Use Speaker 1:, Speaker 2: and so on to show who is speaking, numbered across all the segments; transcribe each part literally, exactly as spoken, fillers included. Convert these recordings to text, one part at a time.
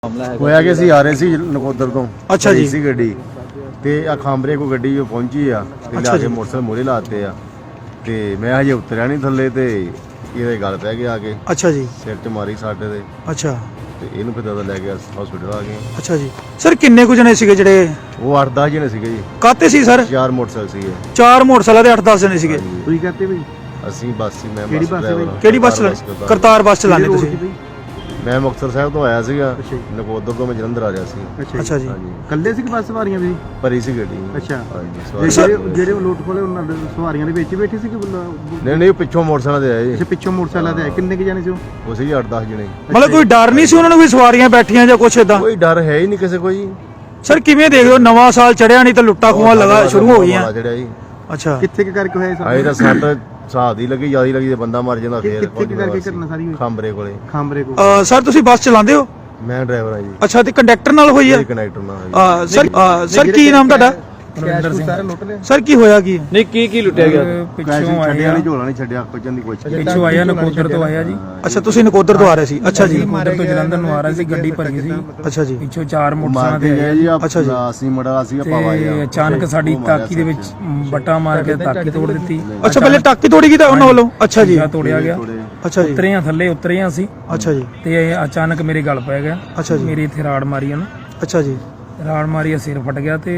Speaker 1: ਹੋਇਆ ਕਿ ਅਸੀਂ ਆ ਰਹੇ ਸੀ ਨਕੋਦਰ ਤੋਂ।
Speaker 2: ਅੱਛਾ ਜੀ।
Speaker 1: ਸੀ ਗੱਡੀ ਤੇ ਆ ਖਾਂਬਰੇ ਕੋ ਗੱਡੀ ਜੋ ਪਹੁੰਚੀ ਆ ਤੇ ਲਿਆ ਕੇ ਮੋਟਰਸਾਈਕਲ ਮੋਰੇ ਲਾਤੇ ਆ ਤੇ ਮੈਂ ਹਜੇ ਉਤਰਿਆ ਨਹੀਂ ਥੱਲੇ ਤੇ ਇਹਦੇ ਗੱਲ ਪੈ ਗਿਆ ਆ ਕੇ।
Speaker 2: ਅੱਛਾ ਜੀ।
Speaker 1: ਸਿਰ 'ਚ ਮਾਰੀ ਸਾਡੇ ਦੇ।
Speaker 2: ਅੱਛਾ
Speaker 1: ਤੇ ਇਹਨੂੰ ਫਿਰ ਦਾਦਾ ਲੈ ਗਿਆ ਹਸਪੀਟਲ ਆ ਗਏ।
Speaker 2: ਅੱਛਾ ਜੀ। ਸਰ ਕਿੰਨੇ ਕੁ ਜਣੇ ਸੀਗੇ ਜਿਹੜੇ?
Speaker 1: ਉਹ ਅੱਠ ਦਸ ਜਣੇ ਸੀਗੇ ਜੀ।
Speaker 2: ਕਾਤੇ ਸੀ ਸਰ?
Speaker 1: ਚਾਰ ਮੋਟਰਸਾਈਕਲ ਸੀਗੇ।
Speaker 2: ਚਾਰ ਮੋਟਰਸਾਈਕਲ ਦੇ ਅੱਠ ਦਸ ਜਣੇ ਸੀਗੇ।
Speaker 3: ਤੁਸੀਂ ਕਹਤੇ ਬਈ
Speaker 1: ਅਸੀਂ ਬੱਸ ਸੀ। ਮੈਂ
Speaker 3: ਕਿਹੜੀ ਬੱਸ ਹੈ ਬਈ?
Speaker 2: ਕਿਹੜੀ ਬੱਸ ਚਲਾ? ਕਰਤਾਰ ਬੱਸ ਚਲਾਉਂਦੇ ਤੁਸੀਂ?
Speaker 1: ਮੈਂ ਮੁਕਤਸਰ ਸਾਹਿਬ ਤੋਂ ਆਇਆ ਸੀਗਾ। ਨਕੋਦਰ ਤੋਂ ਮੈਂ ਜਲੰਧਰ ਆ ਰਿਹਾ ਸੀ।
Speaker 2: ਅੱਛਾ ਜੀ।
Speaker 3: ਕੱਲੇ ਸੀ ਕਿ ਬੱਸ ਸਵਾਰੀਆਂ ਵੀ?
Speaker 1: ਭਰੀ ਸੀ ਗੱਡੀ।
Speaker 3: ਅੱਛਾ।
Speaker 1: ਹਾਂਜੀ
Speaker 3: ਜਿਹੜੇ ਜਿਹੜੇ ਲੋਟ ਖੋਲੇ ਉਹਨਾਂ ਦੇ ਸਵਾਰੀਆਂ ਦੇ ਵਿੱਚ ਹੀ ਬੈਠੇ ਸੀ ਕਿ
Speaker 1: ਨਹੀਂ ਨਹੀਂ ਪਿੱਛੋਂ ਮੋਟਰਸਾਈਕਲ ਤੇ ਆਏ ਜੀ।
Speaker 3: ਅੱਛਾ ਪਿੱਛੋਂ ਮੋਟਰਸਾਈਕਲ ਤੇ ਆਏ। ਕਿੰਨੇ ਕੁ ਜਾਣੇ ਸੀ ਉਹ?
Speaker 1: ਉਹ ਸੀ ਅੱਠ ਦਸ ਜਣੇ।
Speaker 2: ਮਤਲਬ ਕੋਈ ਡਰ ਨਹੀਂ ਸੀ ਉਹਨਾਂ ਨੂੰ ਵੀ ਸਵਾਰੀਆਂ ਬੈਠੀਆਂ ਜਾਂ ਕੁਛ ਇਦਾਂ?
Speaker 1: ਕੋਈ ਡਰ ਹੈ ਹੀ ਨਹੀਂ ਕਿਸੇ ਕੋਈ।
Speaker 2: ਸਰ ਕਿਵੇਂ ਦੇਖਦੇ ਹੋ ਨਵਾਂ ਸਾਲ ਚੜਿਆ ਨਹੀਂ ਤਾਂ ਲੁੱਟਾਂ ਖੋਹਾਂ ਲਗਾ ਸ਼ੁਰੂ ਹੋ ਗਈਆਂ?
Speaker 1: ਚੜਿਆ ਜੀ।
Speaker 2: ਅੱਛਾ
Speaker 3: ਕਿੱਥੇ ਕਿ ਕਰਕੇ ਹੋਇਆ
Speaker 1: ਆਏ ਤਾਂ ਸੱਟ ਹਿਸਾਬ ਦੀ ਲੱਗੀ ਜਿਆਦਾ ਲੱਗੀ ਤੇ ਬੰਦਾ ਮਰ ਜਾਂਦਾ ਫੇਰ।
Speaker 3: ਕਿੱਥੇ ਕਿ ਕਰਕੇ ਕਰਨਾ ਸਾਰੀ ਹੋਈ?
Speaker 1: ਖਾਂਬਰੇ ਕੋਲੇ।
Speaker 3: ਖਾਂਬਰੇ ਕੋਲ।
Speaker 2: ਅ, ਸਰ ਤੁਸੀਂ ਬੱਸ ਚਲਾਉਂਦੇ ਹੋ?
Speaker 1: ਮੈਂ ਡਰਾਈਵਰ ਆ ਜੀ।
Speaker 2: ਅੱਛਾ ਤੇ ਕੰਡਕਟਰ ਨਾਲ ਹੋਈ ਆ?
Speaker 1: ਕਨੈਕਟਰ ਨਾਲ।
Speaker 2: ਅ, ਸਰ ਅ, ਸਰ ਕੀ ਨਾਮ ਤੁਹਾਡਾ?
Speaker 3: ਸਾਰੇ ਲੁੱਟ ਲਏ।
Speaker 2: ਸਰ ਕੀ ਹੋਇਆ ਕੀ?
Speaker 4: ਨਹੀਂ ਕੀ ਕੀ ਲੁੱਟਿਆ ਗਿਆ?
Speaker 1: ਪਿੱਛੋਂ ਛੱਡਿਆ ਨਹੀਂ ਝੋਲਾ ਨਹੀਂ ਛੱਡਿਆ ਕੁਝਨ ਦੀ ਕੋਸ਼ਿਸ਼।
Speaker 4: ਪਿੱਛੋਂ ਆਇਆ ਨਕੋਦਰ ਤੋਂ ਆਇਆ ਜੀ।
Speaker 2: ਅੱਛਾ ਤੁਸੀਂ ਨਕੋਦਰ ਤੋਂ ਆ ਰਹੇ ਸੀ? ਅੱਛਾ ਜੀ।
Speaker 4: ਨਕੋਦਰ ਤੋਂ ਜਲੰਧਰ ਨੂੰ ਆ ਰਿਹਾ ਸੀ, ਗੱਡੀ ਭਰੀ ਸੀ।
Speaker 2: ਅੱਛਾ ਜੀ।
Speaker 4: ਪਿੱਛੋਂ ਚਾਰ
Speaker 1: ਮਾਰ
Speaker 4: ਮੋਟਰਸਾਈਕਲ
Speaker 1: ਕੇ
Speaker 4: ਤੇ
Speaker 1: ਗਏ ਜੀ।
Speaker 2: ਅੱਛਾ ਜੀ।
Speaker 1: ਅਸੀਂ ਮੜਾ ਸੀ ਪਾਵਾਇਆ
Speaker 4: ਤੇ ਅਚਾਨਕ ਸਾਡੀ ਤਾਕੀ ਦੇ ਵਿੱਚ ਬੱਟਾ ਮਾਰ ਕੇ ਤਾਕੀ ਤੋੜ ਦਿੱਤੀ।
Speaker 2: ਅੱਛਾ ਪਹਿਲੇ ਟਾਕੀ ਤੋੜੀ ਗਈ ਤਾਂ ਉਹਨਾਂ ਵੱਲੋਂ? ਅੱਛਾ ਜੀ।
Speaker 4: ਤੋੜਿਆ ਗਿਆ।
Speaker 2: ਅੱਛਾ ਜੀ।
Speaker 4: ਉਤਰੇ ਆ ਥੱਲੇ ਉਤਰੇ ਆ ਅਸੀਂ।
Speaker 2: ਅੱਛਾ ਜੀ।
Speaker 4: ਤੇ ਅਚਾਨਕ ਮੇਰੇ ਗਲ ਪੈ ਗਿਆ।
Speaker 2: ਅੱਛਾ ਜੀ।
Speaker 4: ਮੇਰੇ ਇੱਥੇ ਰਾੜ ਮਾਰੀ ਉਹਨੇ।
Speaker 2: ਅੱਛਾ ਜੀ।
Speaker 4: ਰਾੜ ਮਾਰੀ, ਸਿਰ ਫਟ ਗਿਆ ਤੇ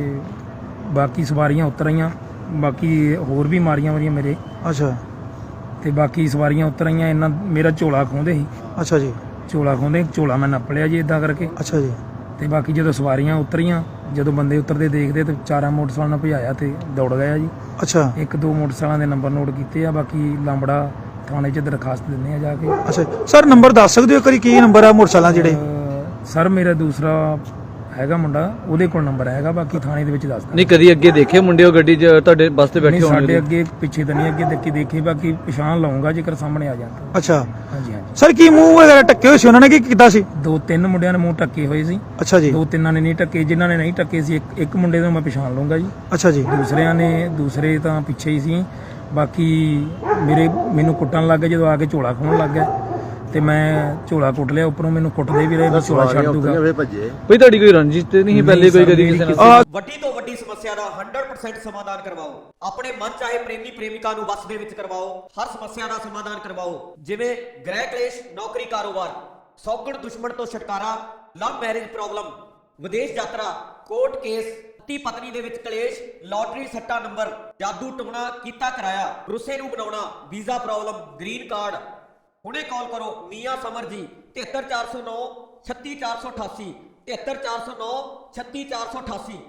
Speaker 4: ਬਾਕੀ ਸਵਾਰੀਆਂ ਉਤਰ ਆਈਆਂ। ਬਾਕੀ ਹੋਰ ਵੀ ਮਾਰੀਆਂ ਮਾਰੀਆਂ ਮੇਰੇ।
Speaker 2: ਅੱਛਾ
Speaker 4: ਤੇ ਬਾਕੀ ਸਵਾਰੀਆਂ ਉਤਰ ਆਈਆਂ। ਇਹਨਾਂ ਮੇਰਾ ਝੋਲਾ ਖੋਂਦੇ ਸੀ।
Speaker 2: ਅੱਛਾ ਜੀ।
Speaker 4: ਝੋਲਾ ਖੋਂਦੇ ਝੋਲਾ ਮੈਂ ਨੱਪ ਲਿਆ ਜੀ ਇਦਾਂ ਕਰਕੇ।
Speaker 2: ਅੱਛਾ ਜੀ।
Speaker 4: ਤੇ ਬਾਕੀ ਜਦੋਂ ਸਵਾਰੀਆਂ ਉਤਰੀਆਂ, ਜਦੋਂ ਬੰਦੇ ਉਤਰਦੇ ਦੇਖਦੇ ਤੇ ਚਾਰਾਂ ਮੋਟਰਸਾਈਕਲਾਂ ਨਾਲ ਭਜਾਇਆ ਤੇ ਦੌੜ ਗਿਆ ਜੀ।
Speaker 2: ਅੱਛਾ
Speaker 4: ਇੱਕ ਦੋ ਮੋਟਰਸਾਈਕਲਾਂ ਦੇ ਨੰਬਰ ਨੋਟ ਕੀਤੇ ਆ। ਬਾਕੀ ਲਾਂਬੜਾ ਥਾਣੇ 'ਚ ਦਰਖਾਸਤ ਦਿੰਦੇ ਆ ਜਾ ਕੇ।
Speaker 2: ਅੱਛਾ ਸਰ ਨੰਬਰ ਦੱਸ ਸਕਦੇ ਹੋ ਕਰੀ ਕੀ ਨੰਬਰ ਆ ਮੋਟਰਸਾਈਕਲਾਂ ਜਿਹੜੇ?
Speaker 4: ਅਹ ਸਰ ਮੇਰਾ ਦੂਸਰਾ ਹੈਗਾ ਮੁੰਡਾ, ਉਹਦੇ ਕੋਲ ਨੰਬਰ ਹੈਗਾ। ਬਾਕੀ ਥਾਣੇ ਦੇ ਵਿੱਚ ਦੱਸ ਦਿੰਦੇ।
Speaker 5: ਨਹੀਂ ਕਦੀ ਅੱਗੇ ਦੇਖੇ ਮੁੰਡੇ ਉਹ ਗੱਡੀ 'ਚ ਤੁਹਾਡੇ ਬੱਸ ਤੇ ਬੈਠੇ
Speaker 4: ਨਹੀਂ,
Speaker 5: ਹੋਣਗੇ?
Speaker 4: ਸਾਡੇ ਅੱਗੇ ਪਿੱਛੇ ਤਾਂ ਨਹੀਂ, ਅੱਗੇ ਦੇਖੀ ਦੇਖੀ ਬਾਕੀ ਪਛਾਣ ਲਾਉਂਗਾ ਜੇਕਰ ਸਾਹਮਣੇ ਆ ਜਾਂਦਾ।
Speaker 2: ਅੱਛਾ
Speaker 4: ਹਾਂਜੀ ਹਾਂਜੀ।
Speaker 2: ਸਰ ਕੀ ਮੂੰਹ ਵਗੈਰਾ ਟੱਕੇ ਹੋਏ ਸੀ ਉਹਨਾਂ ਨੇ ਕੀ ਕੀਤਾ ਸੀ?
Speaker 4: ਦੋ ਤਿੰਨ ਮੁੰਡਿਆਂ ਨੇ ਮੂੰਹ ਢੱਕੇ ਹੋਏ ਸੀ।
Speaker 2: ਅੱਛਾ ਜੀ।
Speaker 4: ਦੋ ਤਿੰਨਾਂ ਨੇ ਨਹੀਂ ਢੱਕੇ। ਜਿਨ੍ਹਾਂ ਨੇ ਨਹੀਂ ਢੱਕੇ ਸੀ ਇੱਕ ਇੱਕ ਮੁੰਡੇ ਨੂੰ ਮੈਂ ਪਛਾਣ ਲਊਂਗਾ ਜੀ।
Speaker 2: ਅੱਛਾ ਜੀ।
Speaker 4: ਦੂਸਰਿਆਂ ਨੇ ਦੂਸਰੇ ਤਾਂ ਪਿੱਛੇ ਹੀ ਸੀ। ਬਾਕੀ ਮੇਰੇ ਮੈਨੂੰ ਕੁੱਟਣ ਲੱਗ ਗਏ ਜਦੋਂ ਆ ਕੇ ਝੋਲਾ ਖੋਹਣ ਲੱਗ ਗਿਆ ਤੇ ਮੈਂ ਝੋਲਾ ਕੁੱਟ ਲਿਆ। ਉੱਪਰੋਂ ਮੈਨੂੰ ਕੁੱਟਦੇ ਵੀ ਰਹੇ ਵੀ ਝੋਲਾ ਛੱਡ ਦੂਗਾ।
Speaker 1: ਭੱਜੇ
Speaker 5: ਕੋਈ ਤੁਹਾਡੀ ਕੋਈ ਰੰਜਿਸ਼ ਤੇ ਨਹੀਂ ਪਹਿਲੇ ਕੋਈ ਕਦੀ ਕਿਸੇ ਨਾਲ?
Speaker 6: ਵੱਡੀ ਤੋਂ ਵੱਡੀ ਸਮੱਸਿਆ ਦਾ ਸੌ ਪਰਸੈਂਟ ਸਮਾਧਾਨ ਕਰਵਾਓ। ਆਪਣੇ ਮਨ ਚਾਹੇ ਪ੍ਰੇਮੀ ਪ੍ਰੇਮਿਕਾ ਨੂੰ ਵਸ ਦੇ ਵਿੱਚ ਕਰਵਾਓ। ਹਰ ਸਮੱਸਿਆ ਦਾ ਸਮਾਧਾਨ ਕਰਵਾਓ, ਜਿਵੇਂ ਗ੍ਰਹਿ ਕਲੇਸ਼, ਨੌਕਰੀ, ਕਾਰੋਬਾਰ, ਸੌਗਣ ਦੁਸ਼ਮਣ ਤੋਂ ਛੁਟਕਾਰਾ, ਲਵ ਮੈਰਿਜ ਪ੍ਰੋਬਲਮ, ਵਿਦੇਸ਼ ਯਾਤਰਾ, ਕੋਰਟ ਕੇਸ, ਪਤੀ ਪਤਨੀ ਦੇ ਵਿੱਚ ਕਲੇਸ਼, ਲਾਟਰੀ ਸੱਟਾ ਨੰਬਰ, ਜਾਦੂ ਟੋਣਾ ਕੀਤਾ ਕਰਾਇਆ, ਰੁੱਸੇ ਨੂੰ ਬਣਾਉਣਾ, ਵੀਜ਼ਾ ਪ੍ਰੋਬਲਮ, ਗ੍ਰੀਨ ਕਾਰਡ। ਹੁਣੇ ਕਾਲ ਕਰੋ ਮੀਆਂ ਸਮਰ ਜੀ। ਤਿਹੱਤਰ ਚਾਰ ਸੌ ਨੌ ਛੱਤੀ ਚਾਰ ਸੌ ਅਠਾਸੀ। ਤਿਹੱਤਰ ਚਾਰ ਸੌ ਨੌ ਛੱਤੀ ਚਾਰ ਸੌ ਅਠਾਸੀ।